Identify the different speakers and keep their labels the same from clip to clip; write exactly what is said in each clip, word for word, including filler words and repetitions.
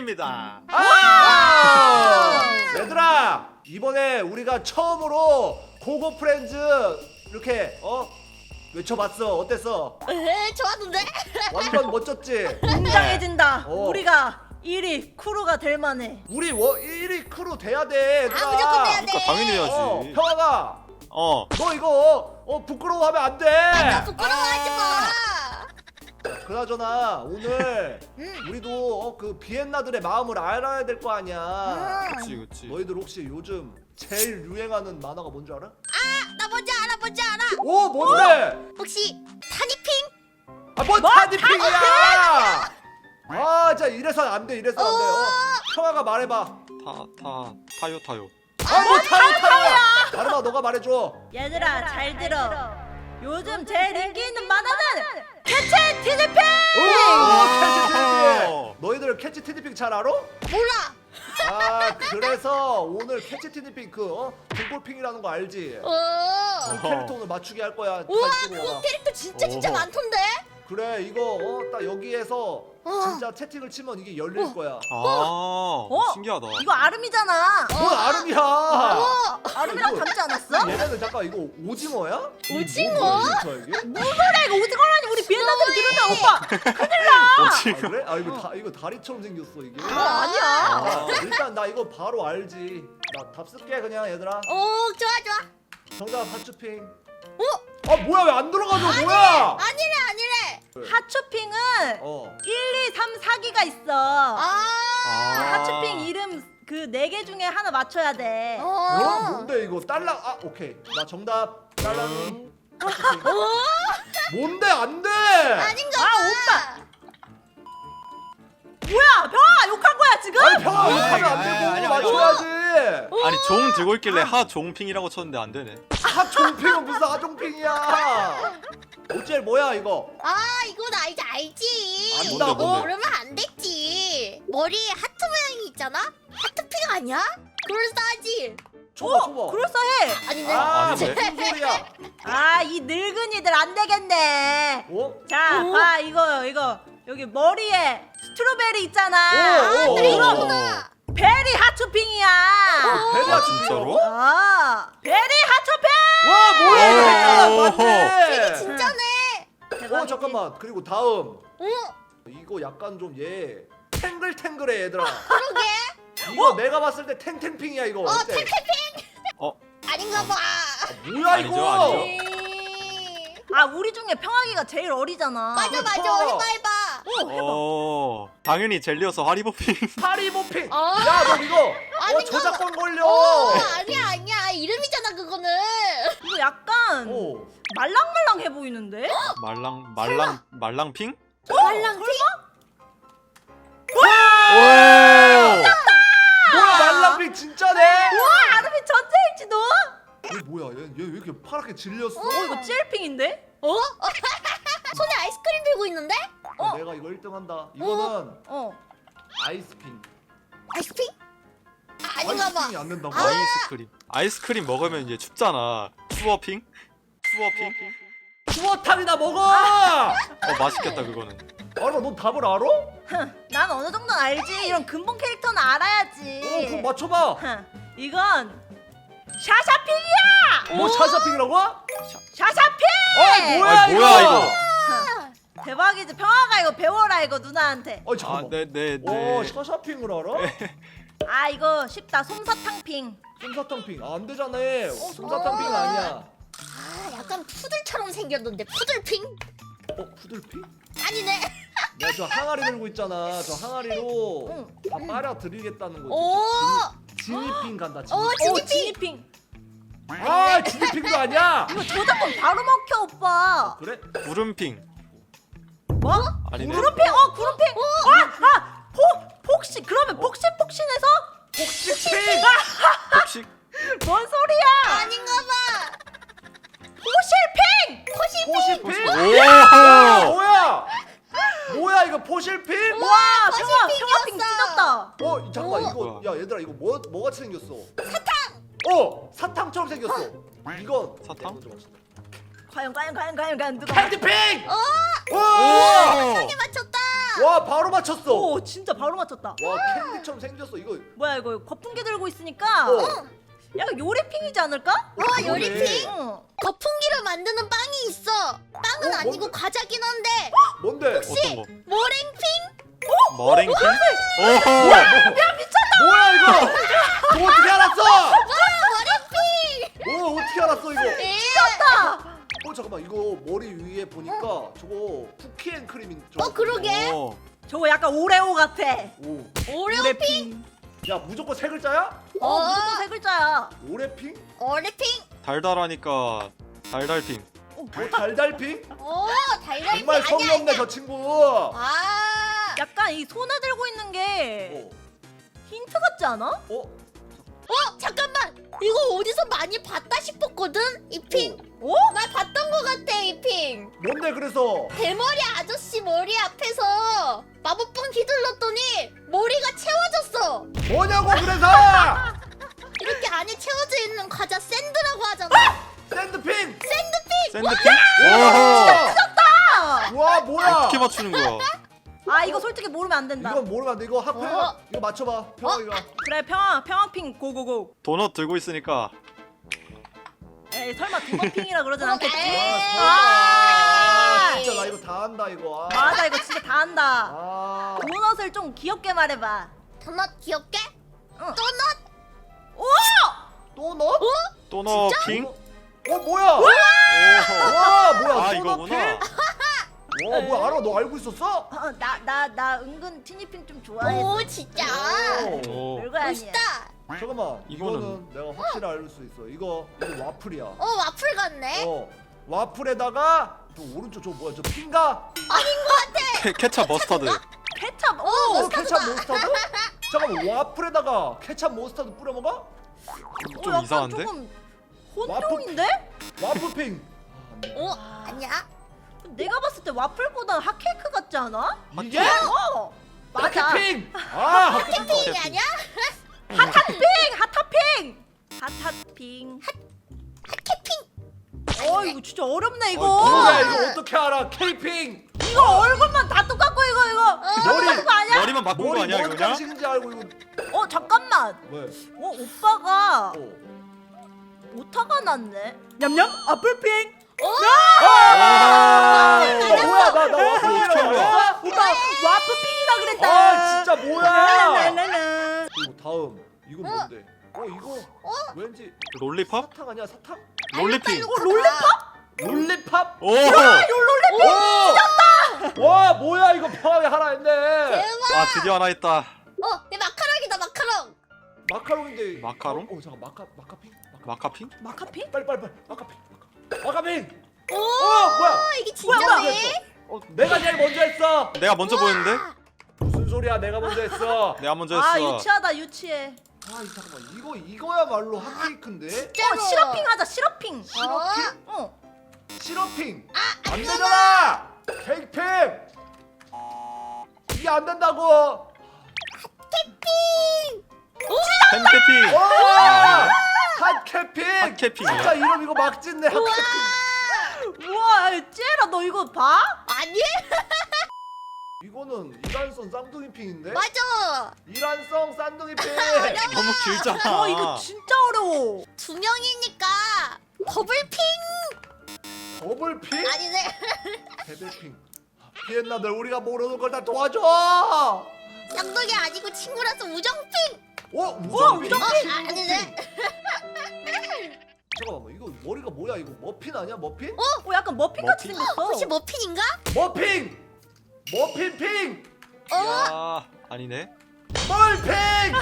Speaker 1: 핑입니다.
Speaker 2: 아! 얘들아, 이번에 우리가 처음으로 고고 프렌즈 이렇게 어 외쳐봤어. 어땠어?
Speaker 3: 에 좋았는데?
Speaker 2: 완전 멋졌지?
Speaker 4: 웅장해진다.
Speaker 2: 어.
Speaker 4: 우리가 일 위 크루가 될 만해.
Speaker 2: 우리 워, 일 위 크루 돼야 돼. 얘들아.
Speaker 3: 아 무조건 돼야 돼.
Speaker 1: 그러니까 당연히 해야지.
Speaker 2: 어, 평화가
Speaker 1: 어.
Speaker 2: 너 이거 어 부끄러워하면 안 돼.
Speaker 3: 나 부끄러워하지 마.
Speaker 2: 그나저나 오늘
Speaker 3: 응.
Speaker 2: 우리도 어, 그 비엔나들의 마음을 알아야 될 거 아니야.
Speaker 3: 응.
Speaker 1: 그치 그치.
Speaker 2: 너희들 혹시 요즘 제일 유행하는 만화가 뭔지 알아?
Speaker 3: 아, 나 뭔지 알아, 뭔지 알아.
Speaker 2: 오, 뭔데?
Speaker 3: 혹시 타니핑?
Speaker 2: 아, 뭔 타니핑이야! 아, 진짜 이래서 안 돼, 이래서 안 돼. 어, 평화가 말해봐.
Speaker 1: 타 타 타요 타요.
Speaker 2: 아, 뭐 타요, 타요야! 마르마, 너가 말해줘.
Speaker 4: 얘들아 잘 들어. 요즘 제일 인기 있는 만화는 캐치 티니핑.
Speaker 2: 오, 캐치 티니핑!
Speaker 1: 오!
Speaker 2: 너희들 캐치 티니핑 잘 알아?
Speaker 3: 몰라.
Speaker 2: 아, 그래서 오늘 캐치 티니핑 그 어? 등골핑이라는 거 알지?
Speaker 3: 어.
Speaker 2: 그 캐릭터 오늘 맞추기 할 거야. 다
Speaker 3: 우와,
Speaker 2: 이쪽으로
Speaker 3: 그
Speaker 2: 와봐.
Speaker 3: 캐릭터 진짜 진짜
Speaker 1: 오.
Speaker 3: 많던데?
Speaker 2: 그래, 이거 어, 딱 여기에서
Speaker 3: 어.
Speaker 2: 진짜 채팅을 치면 이게 열릴 거야.
Speaker 1: 아.
Speaker 4: 어?
Speaker 1: 신기하다.
Speaker 4: 이거 아름이잖아.
Speaker 2: 뭔 아름이야!
Speaker 3: 어.
Speaker 4: 아름이랑
Speaker 2: 이거-
Speaker 4: 닮지 않았어?
Speaker 2: 얘네는 잠깐 이거 오징어야?
Speaker 3: 오징어?
Speaker 2: 이게?
Speaker 4: 무슨 소리야 이거 오징어라니 우리 비엔나들이 들으면 오빠 큰일 나.
Speaker 2: 아 그래? 아 이거 다 이거 다리처럼 생겼어 이게.
Speaker 4: 이거 아니야.
Speaker 2: 아, 일단 나 이거 바로 알지. 나 답 쓸게 그냥 얘들아.
Speaker 3: 오, 좋아 좋아.
Speaker 2: 정답 하츄핑.
Speaker 3: 어?
Speaker 2: 아 뭐야 왜 안 들어가죠 뭐야?
Speaker 3: 아니래 아니래.
Speaker 4: 하츄핑은
Speaker 2: 어.
Speaker 4: 일, 이, 삼, 사 기가 있어.
Speaker 3: 아.
Speaker 1: 아.
Speaker 4: 하츄핑 이름 그 네 개 중에 하나 맞춰야 돼.
Speaker 2: 어?
Speaker 3: 어.
Speaker 2: 뭔데 이거 딸랑 아 오케이 나 정답 딸랑이. 하츄핑.
Speaker 3: 어?
Speaker 2: 뭔데 안 돼?
Speaker 3: 아닌가
Speaker 4: 아,
Speaker 3: 봐.
Speaker 4: 오빠. 뭐야 병아 욕한 거야 지금?
Speaker 2: 아니 평화
Speaker 1: 아니,
Speaker 2: 욕하면 안
Speaker 1: 아니,
Speaker 2: 되고
Speaker 1: 아니, 아니,
Speaker 2: 맞춰야지.
Speaker 1: 아니 종 들고 있길래 하종핑이라고 쳤는데 안 되네.
Speaker 2: 하종핑은 무슨 하종핑이야? 어째 뭐야 이거?
Speaker 3: 아, 이건 알지 알지.
Speaker 2: 안다고?
Speaker 1: 뭔데, 뭔데?
Speaker 3: 그러면 안 됐지. 머리에 하트 모양이 있잖아? 하트핑 아니야? 그럴싸하지.
Speaker 2: 줘봐
Speaker 4: 어,
Speaker 2: 줘봐.
Speaker 4: 그럴싸해.
Speaker 3: 아닌데?
Speaker 2: 아
Speaker 1: 아닌데?
Speaker 2: 무슨 소리야?
Speaker 4: 아 이 늙은이들 안 되겠네.
Speaker 2: 어?
Speaker 4: 자,
Speaker 3: 오.
Speaker 4: 봐 이거 이거 여기 머리에 스트로베리 있잖아.
Speaker 2: 오, 오,
Speaker 3: 그랬구나.
Speaker 4: 베리 하츄핑이야.
Speaker 2: 베리
Speaker 1: 아,
Speaker 2: 하츄핑.
Speaker 1: 진짜로?
Speaker 4: 아, 베리 하츄핑.
Speaker 2: 와 뭐야 이거 색깔
Speaker 1: 오.
Speaker 2: 맞네.
Speaker 3: 진짜네.
Speaker 2: 어 잠깐만 그리고 다음
Speaker 3: 어?
Speaker 2: 이거 약간 좀 얘 탱글탱글해 얘들아.
Speaker 3: 그러게.
Speaker 2: 이거 내가 봤을 때 탱탱핑이야 이거.
Speaker 3: 어,
Speaker 2: 어때?
Speaker 3: 탱탱핑.
Speaker 1: 어?
Speaker 3: 아닌가 봐.
Speaker 2: 뭐야
Speaker 1: 아니죠,
Speaker 2: 이거?
Speaker 1: 아니죠.
Speaker 3: 에이.
Speaker 4: 아 우리 중에 평화기가 제일 어리잖아.
Speaker 3: 맞아 맞아.
Speaker 2: 어.
Speaker 3: 해봐 해봐.
Speaker 4: 오, 해봐.
Speaker 1: 어. 당연히 젤리여서 하리보핑.
Speaker 2: 파리보핑.
Speaker 3: 어.
Speaker 2: 야 너 이거 어
Speaker 3: 아닌가
Speaker 2: 저작권 걸려.
Speaker 3: 어, 아니야 아니야. 이름이잖아 그거는.
Speaker 4: 이거 약간
Speaker 2: 오.
Speaker 4: 말랑말랑해 보이는데?
Speaker 1: 말랑 말랑 말랑핑?
Speaker 3: 말랑핑?
Speaker 1: 오!
Speaker 2: 뭐야 말랑핑 진짜네.
Speaker 4: 와 아름이 전체일지도?
Speaker 2: 얘 뭐야 얘 왜 이렇게 파랗게 질렸어?
Speaker 4: 어 이거 찔핑인데?
Speaker 3: 어? 손에 아이스크림 들고 있는데?
Speaker 2: 어, 내가 이거 일 등 한다. 이거는
Speaker 4: 어.
Speaker 2: 아이스핑.
Speaker 3: 아이스크림? 아, 아닌가 봐.
Speaker 2: 아이스핑이 안 된다고?
Speaker 1: 아이스크림. 아이스크림 먹으면 이제 춥잖아. 추워핑? 추워핑?
Speaker 2: 추어탕이나 먹어.
Speaker 1: 어 맛있겠다 그거는.
Speaker 2: 알아 너 답을 알아?
Speaker 4: 흥, 난 어느 정도는 알지. 이런 근본 캐릭터는 알아야지.
Speaker 2: 어 그럼 맞춰봐.
Speaker 4: 흥, 이건 샤샤핑이야.
Speaker 2: 뭐 샤샤핑이라고?
Speaker 4: 샤샤핑.
Speaker 2: 아 뭐야
Speaker 1: 아니, 뭐야, 이거?
Speaker 4: 흥, 대박이지. 평화가 이거 배워라 이거 누나한테.
Speaker 2: 어
Speaker 1: 아,
Speaker 2: 잠깐만.
Speaker 1: 네, 네,
Speaker 2: 오
Speaker 1: 네.
Speaker 2: 샤샤핑을 알아?
Speaker 4: 아 이거 쉽다. 솜사탕핑.
Speaker 2: 솜사탕핑 아, 안 되잖아. 어, 솜사탕핑은 아니야.
Speaker 3: 아, 약간 푸들처럼 생겼는데 푸들핑?
Speaker 2: 어 푸들핑?
Speaker 3: 아니네.
Speaker 2: 내가 저 항아리 들고 있잖아. 저 항아리로
Speaker 4: 응.
Speaker 2: 다 빨아 드리겠다는 거지.
Speaker 3: 오.
Speaker 2: 지니, 지니핑 간다. 지니핑.
Speaker 3: 오,
Speaker 4: 오
Speaker 3: 지니핑.
Speaker 4: 지니핑.
Speaker 2: 아 지니핑도 아니야.
Speaker 4: 이거 저작권 바로 먹혀 오빠.
Speaker 2: 그래?
Speaker 1: 구름핑.
Speaker 4: 뭐?
Speaker 1: 아니네.
Speaker 4: 구름핑? 어 구름핑. 아, 아, 폭 폭신. 그러면 폭신폭신해서
Speaker 2: 폭식핑.
Speaker 1: 혹시
Speaker 4: 뭔 소리야?
Speaker 3: 아닌가 봐.
Speaker 4: 포실핑.
Speaker 2: 포실핑?
Speaker 1: 오!
Speaker 2: 뭐야? 뭐야 이거 포실핑?
Speaker 4: 와 평화
Speaker 3: 포실핑이었어.
Speaker 4: 평화핑 찢었다.
Speaker 2: 어 잠깐만
Speaker 3: 오.
Speaker 2: 이거 야 얘들아 이거 뭐 뭐같이 생겼어? 사탕. 어 사탕처럼 생겼어. 이건
Speaker 1: 사탕?
Speaker 2: 먼저 맞춘다.
Speaker 4: 과연 과연 과연 과연 과연 누가?
Speaker 2: 팬티핑.
Speaker 3: 어?
Speaker 2: 와.
Speaker 1: 오!
Speaker 3: 맞췄다.
Speaker 2: 와 뭐야 바로 맞췄어.
Speaker 4: 오 진짜 바로 맞췄다.
Speaker 2: 와 캔디처럼 생겼어 이거.
Speaker 4: 뭐야 이거 거품기 들고 있으니까
Speaker 2: 어.
Speaker 4: 약간 요리핑이지 않을까?
Speaker 3: 와 요리핑?
Speaker 4: 어.
Speaker 3: 거품기를 만드는 빵이 있어. 빵은
Speaker 2: 어,
Speaker 3: 아니고
Speaker 2: 뭔데?
Speaker 3: 과자긴 한데
Speaker 2: 뭔데?
Speaker 1: 어떤 거?
Speaker 3: 모랭핑?
Speaker 1: 머랭킹? 오호!
Speaker 2: 뭐야 이거? 너 어떻게 알았어?
Speaker 3: 모랭핑!
Speaker 2: 어 어떻게 알았어 이거?
Speaker 3: 예.
Speaker 2: 어 잠깐만 이거 머리 위에 보니까 저거 쿠키앤크림인 저.
Speaker 3: 어 그러게.
Speaker 1: 오.
Speaker 4: 저거 약간 오레오 같아.
Speaker 2: 오.
Speaker 3: 오레오핑?
Speaker 2: 야 무조건 세 글자야?
Speaker 4: 어,
Speaker 3: 어.
Speaker 4: 무조건 세 글자야.
Speaker 2: 오레핑?
Speaker 3: 오레핑?
Speaker 1: 달달하니까 달달핑.
Speaker 2: 어 달달핑?
Speaker 3: 오 달달핑
Speaker 2: 정말 성의
Speaker 3: 아니야
Speaker 2: 없네
Speaker 3: 아니야.
Speaker 2: 저 친구.
Speaker 3: 아.
Speaker 4: 약간 이 손에 들고 있는 게
Speaker 2: 어.
Speaker 4: 힌트 같지 않아?
Speaker 2: 어?
Speaker 3: 어 잠깐만. 이거 어디서 많이 봤다 싶었거든? 이 핑.
Speaker 4: 어?
Speaker 3: 나 봤던 거 같아 이 핑.
Speaker 2: 뭔데 그래서?
Speaker 3: 대머리 아저씨 머리 앞에서 마법봉 휘둘렀더니 머리가 채워졌어.
Speaker 2: 뭐냐고 그래서?
Speaker 3: 이렇게 안에 채워져 있는 과자 샌드라고 하잖아.
Speaker 2: 샌드핑!
Speaker 3: 샌드핑.
Speaker 1: 샌드핑?
Speaker 2: 와!
Speaker 4: 아!
Speaker 2: 와 뭐야?
Speaker 1: 어떻게 맞추는 거야?
Speaker 4: 아 이거 솔직히 모르면 안 된다.
Speaker 2: 이건 모르면 안 돼. 이거 하프야.
Speaker 3: 어.
Speaker 2: 이거 맞춰봐. 평이가.
Speaker 4: 그래 평화 평화핑 고고고.
Speaker 1: 도넛 들고 있으니까
Speaker 4: 에이 설마 두번핑이라 그러진
Speaker 3: 어,
Speaker 4: 않겠지?
Speaker 3: 에이.
Speaker 2: 아,
Speaker 4: 아!
Speaker 2: 진짜 나 이거 다 한다 이거. 아.
Speaker 4: 맞아 이거 진짜 다 한다.
Speaker 2: 아.
Speaker 4: 도넛을 좀 귀엽게 말해봐.
Speaker 3: 도넛 귀엽게?
Speaker 4: 응.
Speaker 3: 도넛?
Speaker 4: 오!
Speaker 2: 또 넣어?
Speaker 1: 도넛핑?
Speaker 2: 어 뭐야?
Speaker 1: 오호.
Speaker 2: 와 뭐야?
Speaker 1: 아
Speaker 2: 또
Speaker 1: 이거구나.
Speaker 2: 넣었지? 와 뭐야 알아? 너 알고 있었어?
Speaker 4: 어, 나, 나, 나 은근 티니핑 좀 좋아해.
Speaker 3: 오 진짜.
Speaker 2: 오.
Speaker 1: 오.
Speaker 4: 별거 아니야.
Speaker 3: 멋있다.
Speaker 2: 잠깐만. 이거는
Speaker 1: 이거는-
Speaker 2: 내가 확실히 알 수 있어. 이거 이거 와플이야.
Speaker 3: 어 와플 같네.
Speaker 2: 어. 와플에다가 저 오른쪽 저 뭐야? 저 핑가?
Speaker 1: 케, 케찹 머스터드.
Speaker 4: 케찹. 오!
Speaker 2: 어,
Speaker 3: 머스타드다.
Speaker 2: 케찹 모스타드? 잠깐만 와플에다가 케찹 모스타드 뿌려 먹어?
Speaker 4: 어,
Speaker 1: 좀
Speaker 4: 약간
Speaker 1: 이상한데?
Speaker 4: 조금 혼종인데?
Speaker 2: 와플핑.
Speaker 3: 오 아니야?
Speaker 4: 내가 봤을 때 와플보다 핫케이크 같지 않아?
Speaker 2: 이게?
Speaker 4: 어! 맞아.
Speaker 2: 핫핑. 아, 핫핑.
Speaker 3: 핑이 아니야?
Speaker 4: 핫핫핑! 핫핫핑! 핫핫핑.
Speaker 3: 핫캐핑.
Speaker 4: 어 이거 진짜 어렵네 이거.
Speaker 1: 어,
Speaker 2: 뭐야 이거 어떻게 알아? 케이핑.
Speaker 4: 이거 얼굴만 다 똑같고 이거 이거.
Speaker 2: 머리.
Speaker 4: 똑같은 거 아니야?
Speaker 1: 머리만 바꾼 거
Speaker 2: 머리
Speaker 1: 아니야
Speaker 2: 뭔
Speaker 1: 이거냐?
Speaker 2: 간식인지 알고 이거.
Speaker 4: 어 잠깐만.
Speaker 2: 왜?
Speaker 4: 어 오빠가
Speaker 2: 어.
Speaker 4: 오타가 났네. 냠냠 아플핑.
Speaker 2: 아! 나 뭐야 나 나 와플
Speaker 1: 어떻게 한 거야?
Speaker 2: 아,
Speaker 4: 오빠 와플핑이라 그랬다.
Speaker 2: 아 진짜 뭐야?
Speaker 4: 랄랄랄라.
Speaker 2: 그리고 다음 이건
Speaker 3: 어?
Speaker 2: 뭔데? 어 이거 왠지
Speaker 1: 롤리팝?
Speaker 2: 사탕 아니야 사탕?
Speaker 1: 롤리핑.
Speaker 3: 어 롤리팝?
Speaker 2: 롤리팝?
Speaker 1: 오!
Speaker 2: 오! 와 뭐야 이거 평화에 하나 했네.
Speaker 3: 대박.
Speaker 1: 아 드디어 하나 있다.
Speaker 3: 어내 마카롱이다 마카롱.
Speaker 2: 마카롱인데.
Speaker 1: 마카롱?
Speaker 2: 어, 어 잠깐 마카 마카핑? 마카.
Speaker 1: 마카핑?
Speaker 4: 마카핑?
Speaker 2: 빨리 빨리 빨리 마카핑. 마카. 마카핑.
Speaker 3: 오
Speaker 2: 어 뭐야?
Speaker 3: 이게
Speaker 2: 뭐야,
Speaker 3: 진짜네.
Speaker 2: 어, 내가 제일 먼저 했어.
Speaker 1: 내가 먼저 보였는데?
Speaker 2: 무슨 소리야? 내가 먼저 했어.
Speaker 1: 내가 먼저
Speaker 4: 아
Speaker 1: 했어.
Speaker 4: 유치하다 유치해.
Speaker 2: 아, 이 잠깐만. 이거 이거야말로 핫케이크인데.
Speaker 4: 어 시럽핑 하자 시럽핑.
Speaker 3: 어?
Speaker 4: 어.
Speaker 2: 시럽핑.
Speaker 3: 아,
Speaker 2: 안
Speaker 3: 안
Speaker 2: 되잖아. 케이크핑. 이게 안 된다고.
Speaker 1: 팬케핑.
Speaker 2: 와! 핫케이핑.
Speaker 1: 핫케이핑이야?
Speaker 2: 진짜 이름 이거 막 짓네. 핫케이핑.
Speaker 4: 우와 찌라 너 이거 봐?
Speaker 3: 아니?
Speaker 2: 이거는 이란성 쌍둥이핑인데.
Speaker 3: 맞아.
Speaker 2: 이란성 쌍둥이핑.
Speaker 1: 너무 길잖아.
Speaker 4: 와 이거 진짜 어려워.
Speaker 3: 두 명이니까 더블핑
Speaker 2: 더블핑.
Speaker 3: 아니네.
Speaker 2: 데빌핑. 비엔나들 우리가 모르는 걸 다 도와줘.
Speaker 3: 쌍둥이 아니고 친구라서 우정핑.
Speaker 2: 어?
Speaker 4: 우와,
Speaker 2: 우정핑.
Speaker 3: 어 아니네.
Speaker 2: 잠깐만 이거 머리가 뭐야 이거 머핀 아니야 머핀?
Speaker 4: 어 약간 머핀 같이
Speaker 1: 머핀?
Speaker 4: 생겼어.
Speaker 3: 혹시 머핀인가?
Speaker 2: 머핀! 머핀핑!
Speaker 3: 어?
Speaker 1: 야 아니네.
Speaker 2: 멀핑!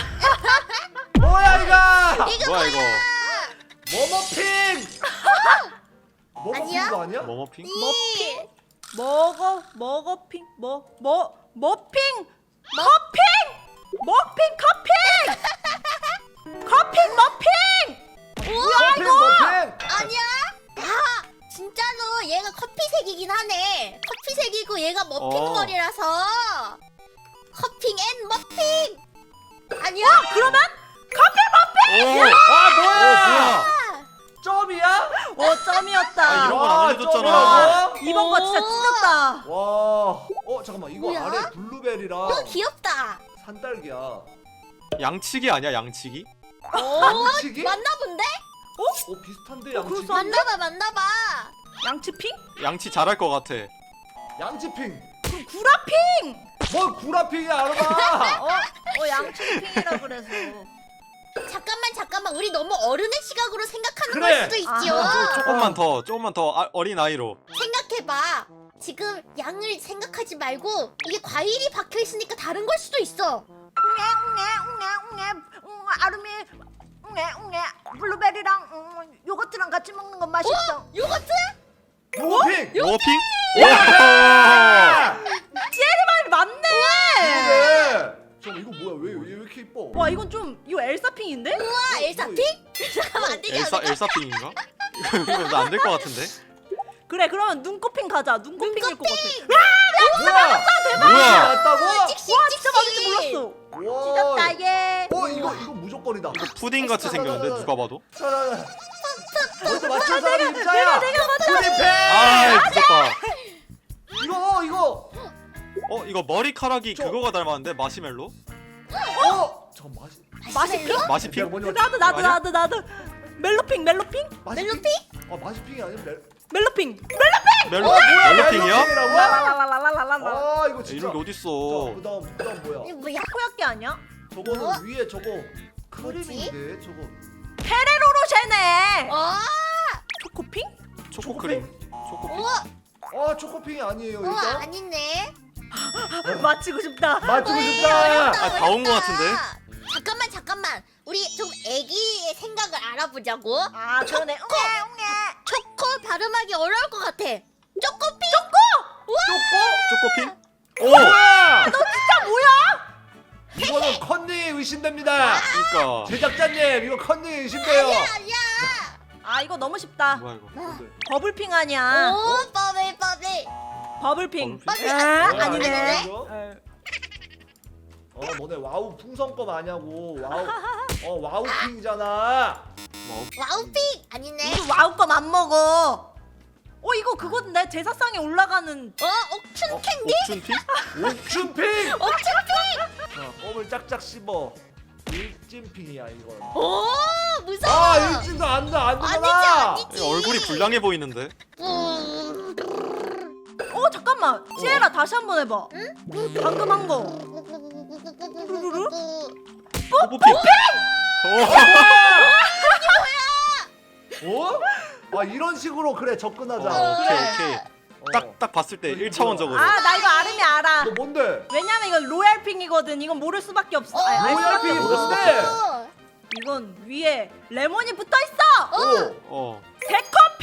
Speaker 2: 뭐야 이거!
Speaker 3: 이거
Speaker 1: 뭐야 이거?
Speaker 2: 머머핑!
Speaker 3: 아니야?
Speaker 2: 머머핑도 아니야?
Speaker 1: 뭐뭐핑?
Speaker 3: 머핀.
Speaker 4: 먹어 먹어핑 뭐뭐 머핑 커핑 머핑 커핑 커핑 머핑.
Speaker 2: 머핀 머핀!
Speaker 3: 아니야? 야 진짜로 얘가 커피색이긴 하네. 커피색이고 얘가 머핀
Speaker 1: 어.
Speaker 3: 머리라서 커핑 앤 머핀. 아니야?
Speaker 4: 그러면 커핑 머핑.
Speaker 1: 오!
Speaker 2: 아 뭐야!
Speaker 1: 어 뭐야?
Speaker 2: 점이야?
Speaker 4: 오 점이었다.
Speaker 1: 아, 이런 건 안
Speaker 2: 와,
Speaker 1: 알려줬잖아.
Speaker 2: 점이라고?
Speaker 4: 이번 거 진짜
Speaker 3: 오.
Speaker 4: 찢었다.
Speaker 2: 와. 어 잠깐만 이거
Speaker 3: 뭐야?
Speaker 2: 아래 블루베리랑
Speaker 3: 이거 귀엽다.
Speaker 2: 산딸기야.
Speaker 1: 양치기 아니야 양치기?
Speaker 2: 양치기?
Speaker 3: 맞나 본데?
Speaker 2: 어 비슷한데 양치기?
Speaker 4: 그래서
Speaker 3: 맞나봐 맞나봐.
Speaker 4: 양치핑?
Speaker 1: 양치 잘할 것 같아.
Speaker 2: 양치핑.
Speaker 4: 그럼 구라핑.
Speaker 2: 뭘 구라핑이야 알아봐.
Speaker 4: 어? 어 양치핑이라 그래서.
Speaker 3: 잠깐만 잠깐만 우리 너무 어른의 시각으로 생각하는
Speaker 2: 그래.
Speaker 3: 걸 수도 있지요.
Speaker 4: 아하.
Speaker 1: 조금만 더 조금만 더 아, 어린 아이로.
Speaker 3: 생각해봐. 지금 양을 생각하지 말고 이게 과일이 박혀 있으니까 다른 걸 수도 있어.
Speaker 4: 웅에 웅에 웅에 웅 아름이 웅에 웅에 블루베리랑 음, 요거트랑 같이 먹는 건 맛있어.
Speaker 3: 요거트?
Speaker 2: 요거핑.
Speaker 1: 워핑?
Speaker 2: 아!
Speaker 4: 지혜리 말이 맞네.
Speaker 2: 그래. 잠깐 이거 뭐야? 왜 왜 이렇게 이뻐?
Speaker 4: 와 이건 좀 이거 엘사핑인데?
Speaker 3: 우와 엘사핑? 잠깐만 안 되게
Speaker 1: 엘사
Speaker 3: 않을까?
Speaker 1: 엘사핑인가? 이거 안 될 것 같은데.
Speaker 4: 그래 그러면 눈꽃핑 가자. 눈꽃핑일 것 같아.
Speaker 2: 뭐야?
Speaker 1: 뭐야?
Speaker 2: 맞다고?
Speaker 3: 찍찍
Speaker 4: 와 진짜 맞을 줄
Speaker 3: 찍찍.
Speaker 4: 몰랐어.
Speaker 2: 와.
Speaker 4: 찢었다 얘.
Speaker 2: 어 이거 이거 무조건이다.
Speaker 1: 이거 푸딩 같이 생겼는데 누가 봐도.
Speaker 2: 자자자. 먼저 맞춘 사람이 임자야.
Speaker 4: 내가 맞췄어.
Speaker 2: 푸딩패.
Speaker 1: 아 미쳤다.
Speaker 2: 이거 이거.
Speaker 1: 어 이거 머리카락이
Speaker 2: 저-
Speaker 1: 그거가 닮았는데 마시멜로?
Speaker 2: 어. 저 맛이.
Speaker 3: 마시멜로?
Speaker 1: 마시핑?
Speaker 2: 뭐냐?
Speaker 4: 나도 나도
Speaker 1: 아니야?
Speaker 4: 나도 나도. 멜로핑 멜로핑
Speaker 2: 멜로핑? 아 마시핑이 아니면 멜.
Speaker 4: 멜로핑.
Speaker 1: 멜로
Speaker 2: 어, 뭐야?
Speaker 1: 멜로핑이야?
Speaker 2: 멜로핑이라고?
Speaker 4: 라라라라라라라.
Speaker 2: 아 이거
Speaker 1: 야,
Speaker 2: 진짜.
Speaker 1: 이런 게
Speaker 2: 자,
Speaker 1: 어딨어?
Speaker 2: 그다음 그다음 뭐야?
Speaker 3: 이거 뭐야?
Speaker 4: 코야끼 아니야?
Speaker 2: 저거는
Speaker 3: 뭐?
Speaker 2: 위에 저거 크림인데 저거.
Speaker 4: 페레로로쉐네.
Speaker 3: 어?
Speaker 4: 초코핑?
Speaker 1: 초코크림. 초코핑.
Speaker 3: 우와
Speaker 2: 아 초코핑이 아니에요
Speaker 3: 우와
Speaker 2: 일단.
Speaker 3: 아니네.
Speaker 4: 맞히고 싶다.
Speaker 2: 맞추고
Speaker 3: 어이,
Speaker 2: 싶다.
Speaker 3: 어렵다,
Speaker 1: 아, 다 온 것
Speaker 3: 어렵다.
Speaker 1: 같은데?
Speaker 3: 잠깐만 잠깐만 우리 좀 애기의 생각을 알아보자고.
Speaker 4: 아 그러네. 웅에 웅에.
Speaker 3: 초코 발음하기 어려울 것 같아. 초코핑.
Speaker 1: 초코핑?
Speaker 2: 오! 뭐야?
Speaker 4: 진짜 뭐야?
Speaker 2: 이거는 컨닝이 의심됩니다.
Speaker 1: 그러니까
Speaker 2: 제작자님 이거 컨닝이 의심돼요.
Speaker 3: 아니야 아니야.
Speaker 4: 아 이거 너무 쉽다.
Speaker 1: 뭐야 이거?
Speaker 2: 뭔데?
Speaker 4: 버블핑 아니야.
Speaker 3: 오 버블 버블.
Speaker 4: 버블핑.
Speaker 1: 버블핑?
Speaker 4: 아,
Speaker 2: 뭐야,
Speaker 4: 아니네.
Speaker 2: 이거? 어 너네 와우 풍선껌 아냐고. 와우. 어 와우핑이잖아.
Speaker 1: 뭐
Speaker 3: 와우핑 아니네.
Speaker 4: 우리 와우껌 안 먹어. 어 이거 그건데 제사상에 올라가는.
Speaker 3: 어 옥춘
Speaker 1: 어?
Speaker 3: 캔디?
Speaker 1: 옥춘핑?
Speaker 2: 옥춘핑.
Speaker 3: 옥춘핑.
Speaker 2: 자, 껌을 짝짝 씹어. 일진핑이야 이건.
Speaker 3: 오 무서워.
Speaker 2: 아 일진도 안돼
Speaker 3: 아니지
Speaker 2: 안되잖아.
Speaker 3: 아니지.
Speaker 1: 얼굴이 불량해 보이는데.
Speaker 3: 음.
Speaker 4: 어 잠깐만. 지혜라 다시 한번 해봐. 방금 한 거.
Speaker 1: 뽀뽀핑.
Speaker 2: 어? 아 이런 식으로 그래 접근하자.
Speaker 1: 어, 오케이
Speaker 4: 그래.
Speaker 1: 오케이.
Speaker 2: 어.
Speaker 1: 딱 딱 봤을 때 일 차원적으로.
Speaker 4: 아 나 이거 아름이 알아.
Speaker 2: 너 뭔데?
Speaker 4: 왜냐면 이건 로얄핑이거든. 이건 모를 수밖에 없어. 아니, 알 수밖에
Speaker 2: 로얄핑이
Speaker 4: 없어.
Speaker 2: 뭔데?
Speaker 3: 어.
Speaker 4: 이건 위에 레몬이 붙어 있어.
Speaker 2: 오.
Speaker 1: 어.
Speaker 4: 새콤핑.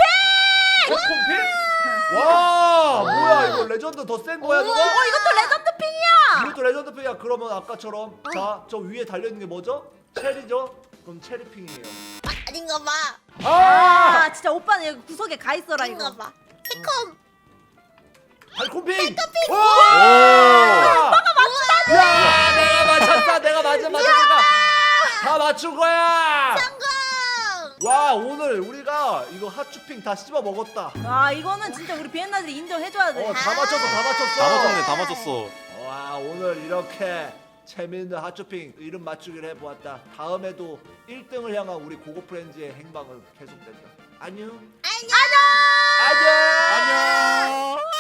Speaker 2: 콤핑? 와 뭐야 이거 레전드 더 센 거야 저거?
Speaker 4: 어 이것도 레전드핑이야.
Speaker 2: 이것도 레전드핑이야. 그러면 아까처럼 자 저 위에 달려있는 게 뭐죠? 체리죠? 그럼 체리핑이에요.
Speaker 3: 아, 아닌가 봐.
Speaker 2: 아!
Speaker 4: 아 진짜 오빠는 여기 구석에 가 있어라
Speaker 3: 아닌가
Speaker 4: 이거.
Speaker 3: 봐. 새콤.
Speaker 2: 달콤핑!
Speaker 1: 오.
Speaker 2: 야 내가 맞췄다 내가 맞아 맞췄으니까 다 맞춘 거야.
Speaker 3: 성공.
Speaker 2: 와 오늘 우리가 이거 핫추핑 다 씹어 먹었다.
Speaker 4: 아 이거는 진짜 우리 비엔나들이 인정해줘야 돼.
Speaker 2: 어 다 맞췄어 다 맞췄어.
Speaker 1: 다 맞췄네 다 맞췄어.
Speaker 2: 와 오늘 이렇게 재미있는 핫쇼핑 이름 맞추기를 해보았다. 다음에도 일 등을 향한 우리 고고프렌즈의 행방은 계속된다. 안녕.
Speaker 3: 안녕.
Speaker 2: 안녕.
Speaker 1: 안녕.